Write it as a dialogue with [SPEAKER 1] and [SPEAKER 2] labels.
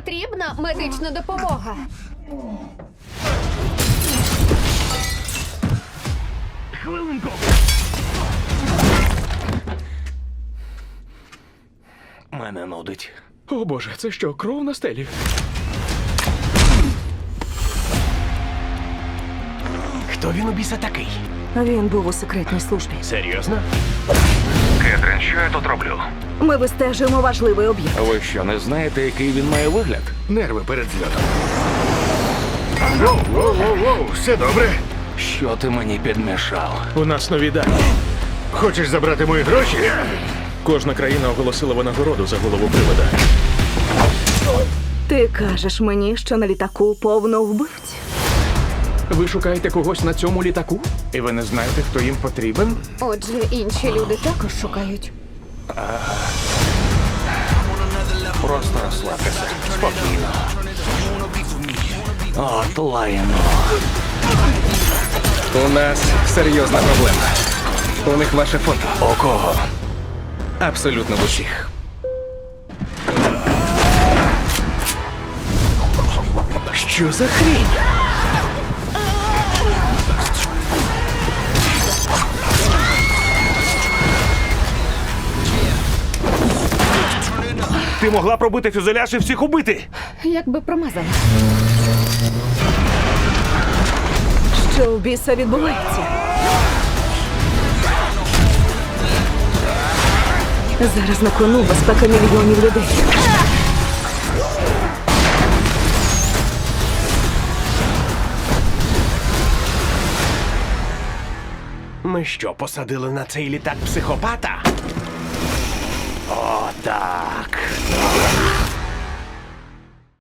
[SPEAKER 1] потрібна медична допомога.
[SPEAKER 2] Хвилинку. Мене нудить.
[SPEAKER 3] О боже, це що, кров на стелі?
[SPEAKER 2] Хто він у біса такий?
[SPEAKER 4] Він був у секретній службі.
[SPEAKER 2] Серйозно? Кетрін, що я тут роблю?
[SPEAKER 4] Ми вистежуємо важливий об'єкт.
[SPEAKER 2] Ви що, не знаєте, який він має вигляд?
[SPEAKER 5] Нерви перед зльотом. Воу, все добре?
[SPEAKER 2] Що ти мені підмішав?
[SPEAKER 3] У нас нові дані.
[SPEAKER 5] Хочеш забрати мої гроші?
[SPEAKER 3] Кожна країна оголосила винагороду за голову привода.
[SPEAKER 4] Ти кажеш мені, що на літаку повно вбивць?
[SPEAKER 3] Ви шукаєте когось на цьому літаку? І ви не знаєте, хто їм потрібен?
[SPEAKER 1] Отже, інші люди також шукають.
[SPEAKER 2] Просто розслабтеся. Спокійно. От лайно.
[SPEAKER 6] У нас серйозна проблема. У них ваше фото.
[SPEAKER 2] У кого?
[SPEAKER 6] Абсолютно в усіх.
[SPEAKER 2] Що за хрінь? Ти могла пробити фюзеляж і всіх убити.
[SPEAKER 1] Якби промазала.
[SPEAKER 4] Що в біса відбувається? Зараз на кону безпека мільйонів людей.
[SPEAKER 2] Ми що, посадили на цей літак психопата? О, так.